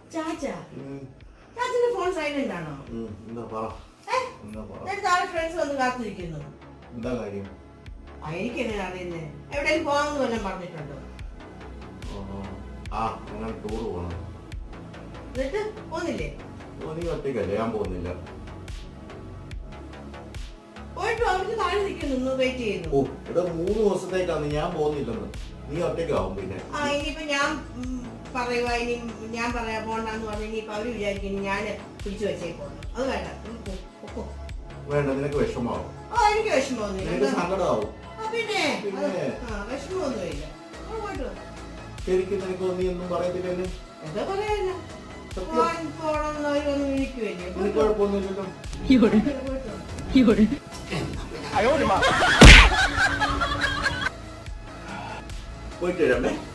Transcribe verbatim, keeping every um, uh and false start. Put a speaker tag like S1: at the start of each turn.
S1: ചാച്ചാ ചാച്ചന്റെ phone silent ആണോ? Friends വന്ന് കാത്തിരിക്കുന്നു.
S2: എന്താ കാര്യം?
S1: എനിക്ക് എങ്ങനെ അറിയുന്നേ? എവിടെയും പോകാമെന്ന് വല്ലതും പറഞ്ഞിട്ടുണ്ടോ?
S2: ആ ഞങ്ങൾ ടൂർ പോകണം.
S1: എന്നിട്ട് പോന്നില്ലേ?
S2: നീ ഒറ്റയ്ക്കല്ലേ? ഞാൻ പോകുന്നില്ല.
S1: പോയിട്ട് അവർക്ക് താഴെ നിൽക്കുന്നു, വെയിറ്റ് ചെയ്യുന്നു.
S2: ഓ ഇവിടെ മൂന്ന് ദിവസത്തേക്കാണ് ഞാൻ പോകുന്നില്ലെന്ന്. നീ ഒറ്റയ്ക്കാവും. പിന്നെ
S1: ആ ഇനിയിപ്പോ ഞാൻ പറയുക, ഇനി ഞാൻ പറയാ പോണ്ടെന്ന് പറഞ്ഞു ഇനിയിപ്പോ അവര് വിചാരിക്കുന്നു ഞാൻ പിടിച്ചു വെച്ചേക്കോ. അത് വേണ്ട.
S2: വേണ്ട, നിനക്ക് വിഷമാവും.
S1: ആ എനിക്ക് വിഷമമൊന്നുമില്ല.
S2: സങ്കടമാവും.
S1: പിന്നെ വിഷമമൊന്നുമില്ല.
S2: ശരിക്കും നിനക്ക് നീ ഒന്നും പറയത്തില്ലല്ലേ?
S1: എന്താ പറയാ, പോണെന്നവരൊന്നും വിളിക്കുവല്ലേ.
S2: നിനക്ക് കുഴപ്പമൊന്നുമില്ലല്ലോ. പോയിട്ട് വരാമേ.